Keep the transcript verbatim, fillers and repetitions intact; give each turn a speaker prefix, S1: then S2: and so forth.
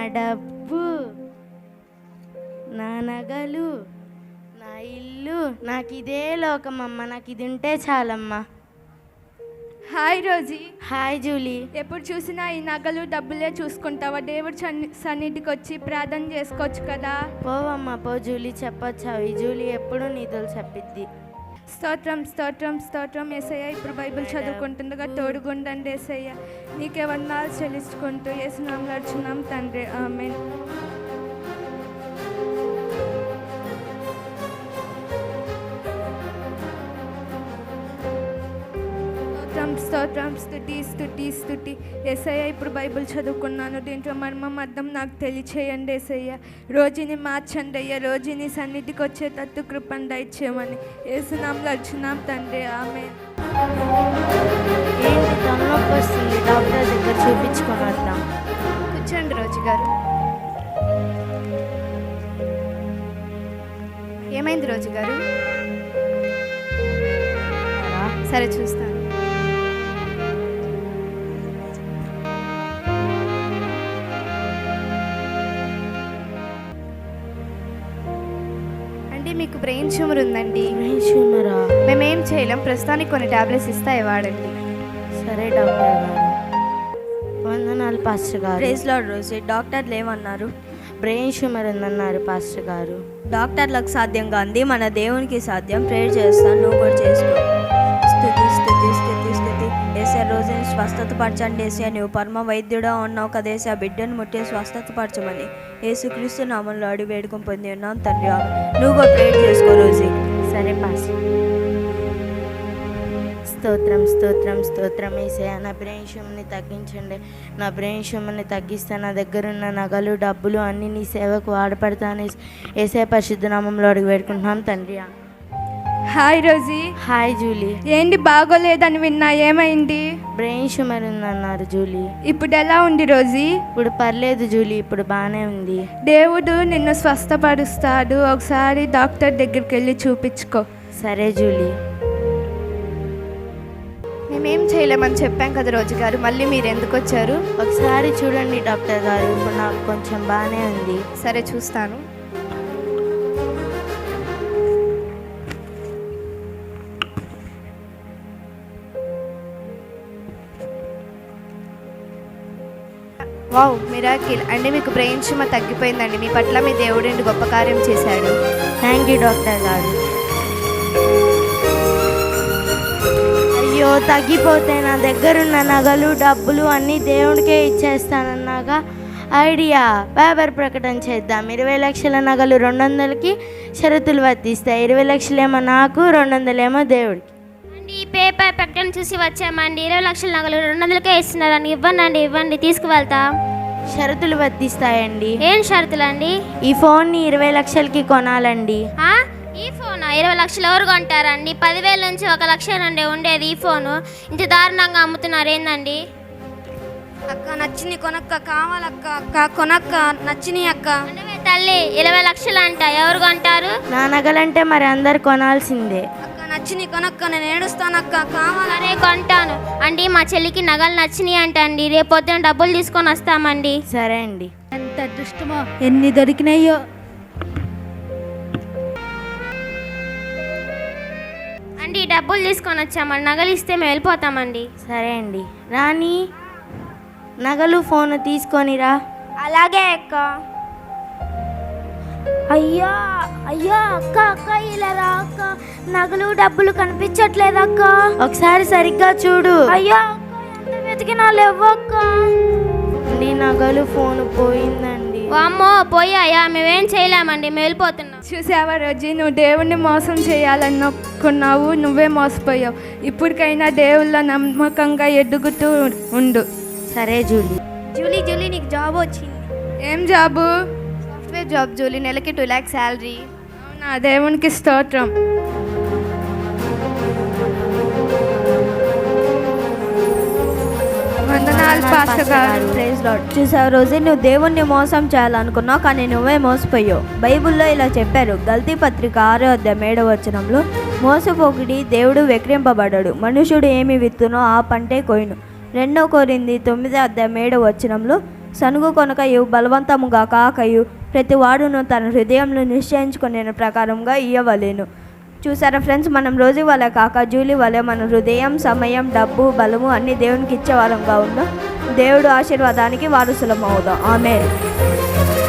S1: డబ్బు, నా నగలు, నా ఇల్లు, నాకు ఇదే లోకమమ్మ. నాకు ఇది ఉంటే చాలమ్మా.
S2: Hi Rosie.
S1: Hi Julie.
S2: ఎప్పుడు చూసినా ఈ నగలు డబ్బులే చూసుకుంటావా? దేవుడు సన్ని సన్నిధికి వచ్చి ప్రార్థన చేసుకోవచ్చు కదా.
S1: పోవమ్మా పో జూలీ, చెప్పొచ్చావు. ఈ జూలీ ఎప్పుడు నీతులు చెప్పిద్ది.
S2: స్తోత్రం స్తోత్రం స్తోత్రం యేసయ్య. ఇప్పుడు బైబిల్ చదువుకుంటుండగా తోడుగుండండి యేసయ్య. నీకే వందనాలు చెల్లించుకుంటూ యేసునామములో అడుగుచున్నాం తండ్రి, ఆమేన్. స్తోత్రం స్తుతి స్తుతి స్తుతి యేసయ్య. ఇప్పుడు బైబిల్ చదువుకున్నాను, దీంట్లో మర్మం అర్థం నాకు తెలియచేయండి యేసయ్య. రోజుని మార్చండి అయ్యా, రోజుని సన్నిధికి వచ్చేటట్టు కృపను దయచేయమని యేసునామములో అడుగుచున్నాం తండ్రి, ఆమేన్.
S1: ఏంటి తలనొప్పి వస్తుంది, డాక్టర్ దగ్గర చూపించుకొని వద్దాం.
S2: కూర్చోండి రోజు గారు. ఏమైంది రోజు గారు? సరే చూస్తాను. మీకు బ్రెయిన్ ట్యూమర్ ఉందండి.
S1: బ్రెయిన్ ట్యూమరా?
S2: మేమేం చేయలేం, ప్రస్తుతానికి కొన్ని టాబ్లెట్స్ ఇస్తాయి వాడండి.
S1: సరే డాక్టర్ గారు. వందనాలు పాస్టర్ గారు.
S3: Praise Lord Rosie. డాక్టర్లు ఏమన్నారు?
S1: బ్రెయిన్ ట్యూమర్ ఉందన్నారు పాస్టర్ గారు.
S3: డాక్టర్లకు సాధ్యం కాంది మన దేవునికి సాధ్యం. ప్రేయర్ చేస్తాను, నువ్వు కూడా చేసుకో. స్తుతి స్తుతి స్తుతి స్తుతి ఏసే. రోజుని స్వస్థత పరచండి ఏసే. నువ్వు పరమ వైద్యుడా ఉన్నావు కదా ఏసే. ఆ బిడ్డను ముట్టి స్వస్థత పరచమని యేసుక్రీస్తు నామంలో అడిగి వేడుకొని పొంది ఉన్నాం తండ్రి. నువ్వు కూడా ప్రేయర్ చేసుకో రోజీ.
S1: సరే పాస్టర్. స్తోత్రం స్తోత్రం స్తోత్రం ఏసయ్య. నా బ్రెయిన్ ట్యూమర్ని తగ్గించండి. నా బ్రెయిన్ ట్యూమర్ని తగ్గిస్తే నా దగ్గర ఉన్న నగలు డబ్బులు అన్నీ నీ సేవకు వాడపడతాను ఏసయ్య. పరిశుద్ధ నామంలో అడిగి వేడుకుంటున్నాం తండ్రి.
S2: Hi Rosie.
S1: Hi Julie.
S2: ఏంటి బాగోలేదని విన్నా, ఏమైంది?
S1: బ్రెయిన్ ట్యూమర్ ఉందన్నారు జూలీ.
S2: ఇప్పుడు ఎలా ఉంది రోజీ?
S1: ఇప్పుడు పర్లేదు జూలీ, ఇప్పుడు బాగానే ఉంది.
S2: దేవుడు నిన్ను స్వస్థపరుస్తాడు, ఒకసారి డాక్టర్ దగ్గరికి వెళ్ళి చూపించుకో.
S1: సరే జూలీ.
S2: మేమేం చేయలేమని చెప్పాం కదా రోజు గారు, మళ్ళీ మీరు ఎందుకు వచ్చారు?
S1: ఒకసారి చూడండి డాక్టర్ గారు, ఇప్పుడు నాకు కొంచెం బాగానే ఉంది.
S2: సరే చూస్తాను. వావ్, మిరాకిల్ అండి. మీకు బ్రెయిన్ ట్యూమర్ తగ్గిపోయిందండి. మీ పట్ల మీ దేవుడు గొప్ప కార్యం చేశాడు.
S1: థ్యాంక్ యూ డాక్టర్ గారు. అయ్యో, తగ్గిపోతే నా దగ్గరున్న నగలు డబ్బులు అన్నీ దేవుడికే ఇచ్చేస్తానన్నాగా ఐడియా. పేపర్ ప్రకటన చేద్దాం. ఇరవై లక్షల నగలు రెండు వందలకి షరతులు వర్తిస్తాయి. ఇరవై లక్షలేమో నాకు, రెండు వందలేమో దేవుడికి.
S4: ఈ పేపర్ ప్రకటన చూసి వచ్చామండి. ఇరవై లక్షల నగలు రెండు వందలకే ఇస్తున్నారండి. ఇవ్వండి అండి, ఇవ్వండి, తీసుకువెళ్తా.
S1: షరతులు వర్తిస్తాయండి.
S4: ఏం షరతులు అండి?
S1: ఈ ఫోన్ని ఇరవై లక్షలకి కొనాలండి.
S4: ఈ ఫోన్ ఇరవై లక్షలు ఎవరు కొంటారండి? పదివేల నుంచి ఒక లక్ష నుండి ఉండేది ఈ ఫోను ఇంత దారుణంగా అమ్ముతున్నారు ఏందండి?
S3: అక్క నచ్చింది కొనక్క, కావాలక్క. అక్క కొనక్క, నచ్చింది అక్క.
S4: తల్లి, ఇరవై లక్షలు అంట, ఎవరు కొంటారు?
S1: నా నగలంటే మరి అందరు కొనాల్సిందే.
S3: అక్క నచ్చింది కొనక్క, నేను ఏడుస్తానక్క, కావాలనే
S4: కొంటాను అండి. మా చెల్లికి నగలు నచ్చినాయి అంట అండి. రేపు పొద్దున డబ్బులు తీసుకొని వస్తామండి.
S1: సరే అండి.
S3: ఎంత అదృష్టమో, ఎన్ని దొరికినాయో.
S4: అండి డబ్బులు తీసుకొని వచ్చామండి, నగలు ఇస్తే మేము వెళ్ళిపోతామండి.
S1: సరే అండి. రాణి, నగలు ఫోన్ తీసుకొనిరా.
S4: అలాగే అక్క.
S5: అయ్యా అయ్యా అక్క అక్క ఇలా రా అక్క, నగలు డబ్బులు కనిపించట్లేదు అక్క.
S1: ఒకసారి సరిగ్గా చూడు.
S5: అయ్యా అక్క, ఎంత వెతికినా లేవక్క.
S1: నీ నగలు ఫోన్ పోయిందండి.
S4: అమ్మో, పోయాయా? మేమేం చేయలేమండి, మేము వెళ్ళిపోతున్నాం.
S2: చూసావా రోజీ, నువ్వు దేవుణ్ణి మోసం చేయాలనుకున్నావు, నువ్వే మోసపోయావు. ఇప్పటికైనా దేవుళ్ళ నమ్మకంగా ఎదుగుతూ ఉండు.
S1: సరే జూలీ.
S5: జూలీ జూలీ నీకు జాబ్ వచ్చింది.
S2: ఏం జాబు?
S5: సాఫ్ట్వేర్ జాబ్ జూలీ, నెలకి టూ ల్యాక్స్ శాలరీ.
S2: అవునా, దేవునికి స్తోత్రం. వందనాలు పాస్టర్ గారు.
S3: Praise Lord. చూసావు రోజు, నువ్వు దేవుణ్ణి మోసం చేయాలనుకున్నావు, కానీ నువ్వే మోసపోయావు. బైబిల్లో ఇలా చెప్పారు. గల్తీ పత్రిక ఆరో అధ్యాయం ఏడవ వచనంలో, మోసపోకుడి, దేవుడు వెక్రింపబడడు, మనుషుడు ఏమి విత్తునో ఆ పంటే కోయును. రెండో కొరింథీ తొమ్మిదో అధ్యాయం ఏడవ వచనంలో, సనుగు కొనకయు బలవంతముగా కాకయు ప్రతి వాడును తన హృదయంలో నిశ్చయించుకునే ప్రకారంగా ఇయ్యవలేను. చూసారా ఫ్రెండ్స్, మనం రోజు వల్ల కాక జూలీ వల్ల మన హృదయం, సమయం, డబ్బు, బలము అన్ని దేవునికి ఇచ్చే వారంగా ఉన్నాం. దేవుడు ఆశీర్వాదానికి వారసులం అవుదాం. ఆమేన్.